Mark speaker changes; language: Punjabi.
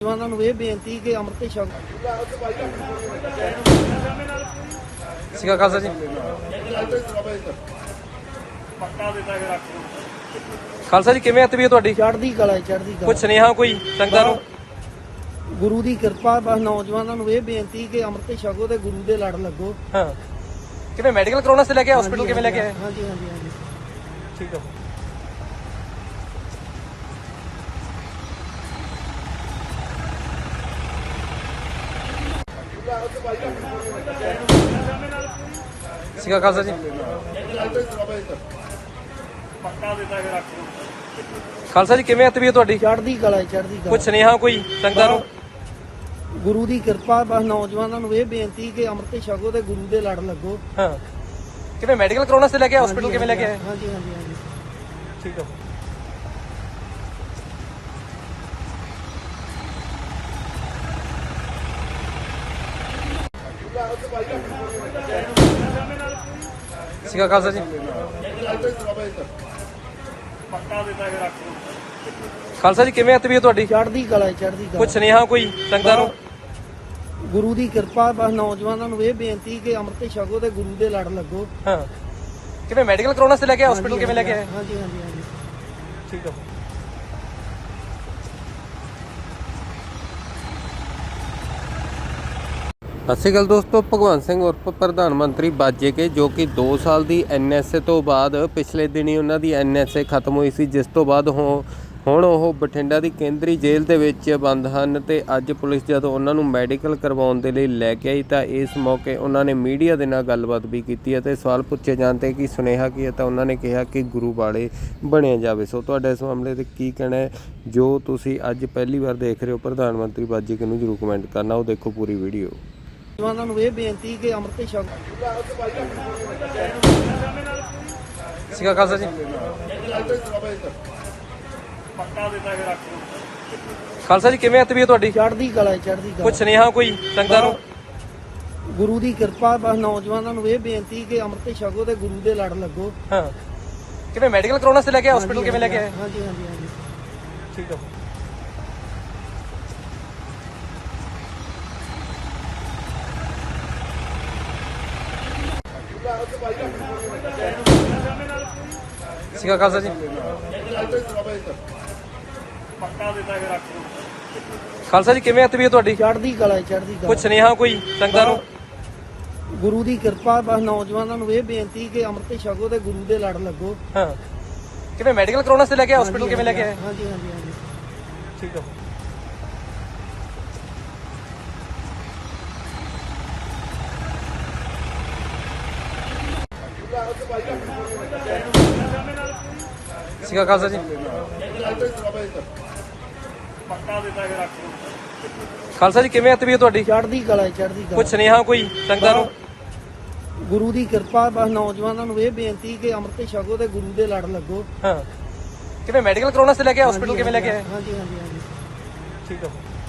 Speaker 1: ਜਵਾਨਾਂ ਨੂੰ ਇਹ ਬੇਨਤੀ ਕਿ ਅੰਮ੍ਰਿਤ ਛਕ
Speaker 2: ਸਿੱਖਾ ਖਾਲਸਾ ਜੀ। ਖਾਲਸਾ ਜੀ ਕਿਵੇਂ ਤਬੀਅਤ ਤੁਹਾਡੀ?
Speaker 1: ਚੜ੍ਹਦੀ ਕਲਾ ਚੜ੍ਹਦੀ
Speaker 2: ਕੁਝ
Speaker 1: ਕਲਾ।
Speaker 2: ਸੁਨੇਹਾ ਕੋਈ ਸੰਗਤਾਂ ਨੂੰ?
Speaker 1: ਗੁਰੂ ਦੀ ਕਿਰਪਾ, ਬਸ ਨੌਜਵਾਨਾਂ ਨੂੰ ਇਹ ਬੇਨਤੀ ਕਿ ਅੰਮ੍ਰਿਤ ਛਕੋ ਤੇ ਗੁਰੂ ਦੇ ਲੜ ਲੱਗੋ।
Speaker 2: ਹਾਂ, ਕਿਵੇਂ ਮੈਡੀਕਲ ਕਰਾਉਣਾ ਸੀ ਲੈ ਕੇ ਹਸਪੀਟਲ ਕਿਵੇਂ ਲੈ ਕੇ ਆਏ?
Speaker 1: ਹਾਂਜੀ ਹਾਂਜੀ ਹਾਂਜੀ
Speaker 2: ਠੀਕ ਆ। ਸਿੱਖਾ ਖਾਲਸਾ ਜੀ। ਖਾਲਸਾ ਜੀ ਕਿਵੇਂ ਤਬੀਅਤ ਤੁਹਾਡੀ?
Speaker 1: ਚੜ੍ਹਦੀ ਕਲਾ ਚੜ੍ਹਦੀ ਕਲਾ।
Speaker 2: ਕੁਝ ਸੁਨੇਹਾ ਕੋਈ ਸੰਗਤਾਂ ਨੂੰ?
Speaker 1: ਗੁਰੂ ਦੀ ਕਿਰਪਾ, ਬਸ ਨੌਜਵਾਨਾਂ ਨੂੰ ਇਹ ਬੇਨਤੀ ਕਿ ਅੰਮ੍ਰਿਤ ਛਕੋ ਤੇ ਗੁਰੂ ਦੇ ਲੜ ਲੱਗੋ।
Speaker 2: ਹਾਂ, ਕਿਵੇਂ ਮੈਡੀਕਲ ਕਰਾਉਣਾ ਸੀ ਲੈ ਕੇ ਹਸਪੀਟਲ ਕਿਵੇਂ ਲੈ ਕੇ ਆਏ?
Speaker 1: ਹਾਂਜੀ ਹਾਂਜੀ ਹਾਂਜੀ
Speaker 2: ਠੀਕ ਆ। ਸਿੱਖਾ ਖਾਲਸਾ ਜੀ। ਖਾਲਸਾ ਜੀ ਕਿਵੇਂ ਤਬੀਅਤ ਤੁਹਾਡੀ?
Speaker 1: ਚੜ੍ਹਦੀ ਕਲਾ ਚੜ੍ਹਦੀ ਕਲਾ।
Speaker 2: ਕੁਝ ਸੁਨੇਹਾ ਕੋਈ ਸੰਗਤਾਂ ਨੂੰ?
Speaker 1: ਗੁਰੂ ਦੀ ਕਿਰਪਾ, ਬਸ ਨੌਜਵਾਨਾਂ ਨੂੰ ਇਹ ਬੇਨਤੀ ਕਿ ਅੰਮ੍ਰਿਤ ਛਕੋ ਤੇ ਗੁਰੂ ਦੇ ਲੜ ਲੱਗੋ।
Speaker 2: ਹਾਂ, ਕਿਵੇਂ ਮੈਡੀਕਲ ਕਰਾਉਣਾ ਸੀ ਲੈ ਕੇ ਹਸਪੀਟਲ ਕਿਵੇਂ ਲੈ ਕੇ ਆਏ?
Speaker 1: ਹਾਂਜੀ ਹਾਂਜੀ ਹਾਂਜੀ
Speaker 2: ਠੀਕ ਆ।
Speaker 3: ਸਤਿ ਸ਼੍ਰੀ ਅਕਾਲ ਦੋਸਤੋ, ਭਗਵੰਤ ਸਿੰਘ ਉਰਫ ਪ੍ਰਧਾਨ ਮੰਤਰੀ ਬਾਜੇਕੇ ਜੋ ਕਿ 2 ਸਾਲ ਦੀ ਐਨਐਸਏ ਤੋਂ ਬਾਅਦ ਪਿਛਲੇ ਦਿਨੀ ਉਹਨਾਂ ਦੀ ਐਨਐਸਏ ਖਤਮ ਹੋਈ ਸੀ, ਜਿਸ ਤੋਂ ਬਾਅਦ ਹੁਣ ਉਹ ਬਠਿੰਡਾ ਦੀ ਕੇਂਦਰੀ ਜੇਲ੍ਹ ਦੇ ਵਿੱਚ ਬੰਦ ਹਨ। ਤੇ ਅੱਜ ਪੁਲਿਸ ਜਦੋਂ ਉਹਨਾਂ ਨੂੰ ਮੈਡੀਕਲ ਕਰਵਾਉਣ ਦੇ ਲਈ ਲੈ ਕੇ ਆਈ ਤਾਂ ਇਸ ਮੌਕੇ ਉਹਨਾਂ ਨੇ ਮੀਡੀਆ ਦੇ ਨਾਲ ਗੱਲਬਾਤ ਵੀ ਕੀਤੀ ਅਤੇ ਸਵਾਲ ਪੁੱਛੇ ਜਾਣ 'ਤੇ ਕਿ ਸੁਨੇਹਾ ਕੀ ਹੈ ਤਾਂ ਉਹਨਾਂ ਨੇ ਕਿਹਾ ਕਿ ਗੁਰੂ ਵਾਲੇ ਬਣਿਆ ਜਾਵੇ। ਸੋ ਤੁਹਾਡਾ ਇਸ ਮਾਮਲੇ 'ਤੇ ਕੀ ਕਹਿਣਾ ਹੈ? ਜੋ ਤੁਸੀਂ ਅੱਜ ਪਹਿਲੀ ਵਾਰ ਦੇਖ ਰਹੇ ਹੋ ਪ੍ਰਧਾਨ ਮੰਤਰੀ ਬਾਜੇਕੇ ਨੂੰ ਜ਼ਰੂਰ ਕਮੈਂਟ ਕਰਨਾ। ਉਹ ਦੇਖੋ ਪੂਰੀ ਵੀਡੀਓ।
Speaker 1: ਨੌਜਵਾਨਾਂ ਨੂੰ ਇਹ ਬੇਨਤੀ ਕਿ ਅੰਮ੍ਰਿਤ ਛਕੋ।
Speaker 2: ਸਿੱਖਾ ਖਾਲਸਾ ਜੀ। ਖਾਲਸਾ ਜੀ ਕਿਵੇਂ ਤਬੀਅਤ ਤੁਹਾਡੀ?
Speaker 1: ਚੜ੍ਹਦੀ ਕਲਾ ਚੜ੍ਹਦੀ ਕਲਾ।
Speaker 2: ਕੁਝ ਸੁਨੇਹਾ ਕੋਈ ਸੰਗਤਾਂ ਨੂੰ?
Speaker 1: ਗੁਰੂ ਦੀ ਕਿਰਪਾ, ਬਸ ਨੌਜਵਾਨਾਂ ਨੂੰ ਇਹ ਬੇਨਤੀ ਕਿ ਅੰਮ੍ਰਿਤ ਛਕੋ ਤੇ ਗੁਰੂ ਦੇ ਲੜ ਲੱਗੋ।
Speaker 2: ਹਾਂ, ਕਿਵੇਂ ਮੈਡੀਕਲ ਕਰਾਉਣਾ ਸੀ ਲੈ ਕੇ ਹਸਪੀਟਲ ਕਿਵੇਂ ਲੈ ਕੇ ਆਏ?
Speaker 1: ਹਾਂਜੀ ਹਾਂਜੀ ਹਾਂਜੀ
Speaker 2: ਠੀਕ ਆ। ਸਿੱਖਾ ਖਾਲਸਾ ਜੀ। ਖਾਲਸਾ ਜੀ ਕਿਵੇਂ ਤਬੀਅਤ ਤੁਹਾਡੀ?
Speaker 1: ਚੜ੍ਹਦੀ ਕਲਾ ਚੜ੍ਹਦੀ ਕਲਾ।
Speaker 2: ਕੁਝ ਸੁਨੇਹਾ ਕੋਈ ਸੰਗਤਾਂ ਨੂੰ?
Speaker 1: ਗੁਰੂ ਦੀ ਕਿਰਪਾ, ਬਸ ਨੌਜਵਾਨਾਂ ਨੂੰ ਇਹ ਬੇਨਤੀ ਕਿ ਅੰਮ੍ਰਿਤ ਛਕੋ ਤੇ ਗੁਰੂ ਦੇ ਲੜ ਲੱਗੋ।
Speaker 2: ਹਾਂ, ਕਿਵੇਂ ਮੈਡੀਕਲ ਕਰਾਉਣਾ ਸੀ ਲੈ ਕੇ ਹਸਪੀਟਲ ਕਿਵੇਂ ਲੈ ਕੇ ਆਏ?
Speaker 1: ਹਾਂਜੀ ਹਾਂਜੀ ਹਾਂਜੀ
Speaker 2: ਠੀਕ ਆ। ਸਿੱਖਾ ਖਾਲਸਾ ਜੀ। ਖਾਲਸਾ ਜੀ ਕਿਵੇਂ ਤਬੀਅਤ ਤੁਹਾਡੀ?
Speaker 1: ਚੜ੍ਹਦੀ ਕਲਾ ਚੜ੍ਹਦੀ ਕਲਾ।
Speaker 2: ਕੁਝ ਸੁਨੇਹਾ ਕੋਈ ਸੰਗਤਾਂ ਨੂੰ?
Speaker 1: ਗੁਰੂ ਦੀ ਕਿਰਪਾ, ਬਸ ਨੌਜਵਾਨਾਂ ਨੂੰ ਇਹ ਬੇਨਤੀ ਕਿ ਅੰਮ੍ਰਿਤ ਛਕੋ ਤੇ ਗੁਰੂ ਦੇ ਲੜ ਲੱਗੋ।
Speaker 2: ਹਾਂ, ਕਿਵੇਂ ਮੈਡੀਕਲ ਕਰਾਉਣਾ ਸੀ ਲੈ ਕੇ ਹਸਪੀਟਲ ਕਿਵੇਂ ਲੈ ਕੇ ਆਏ?
Speaker 1: ਹਾਂਜੀ ਹਾਂਜੀ ਹਾਂਜੀ
Speaker 2: ਠੀਕ ਆ।